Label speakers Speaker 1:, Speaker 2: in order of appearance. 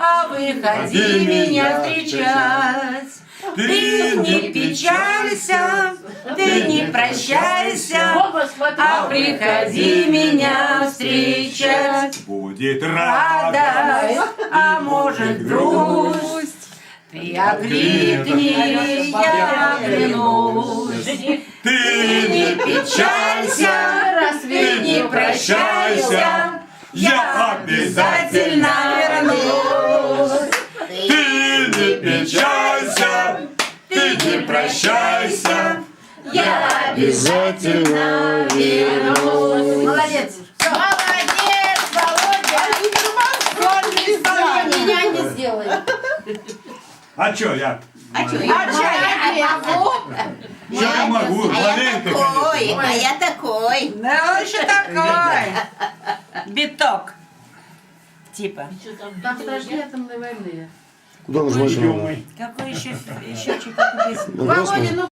Speaker 1: а выходи меня встречать. Ты не печалься, ты не прощайся, а приходи меня встречать.
Speaker 2: Будет радость,
Speaker 1: Радость, а может грусть. Ты окликни, я оглянусь.
Speaker 2: ты
Speaker 1: Не печалься, ты не прощайся, я обязательно вернусь.
Speaker 2: Ты не печалься, ты не прощайся,
Speaker 1: Я обязательно вернусь. Молодец.
Speaker 3: Молодец, Володя! Сольное исполнение няня сделает.
Speaker 2: А чё я?
Speaker 3: А что, я могу?
Speaker 2: Что я могу? Маленько, конечно.
Speaker 3: А я такой.
Speaker 1: Да он еще такой. Биток. Типа.
Speaker 3: Там страшнее атомной войны.
Speaker 4: Куда нажимать?
Speaker 2: Ё-моё.
Speaker 1: Какой еще счетчик, какую песню?
Speaker 4: На красный?
Speaker 3: Володя, ну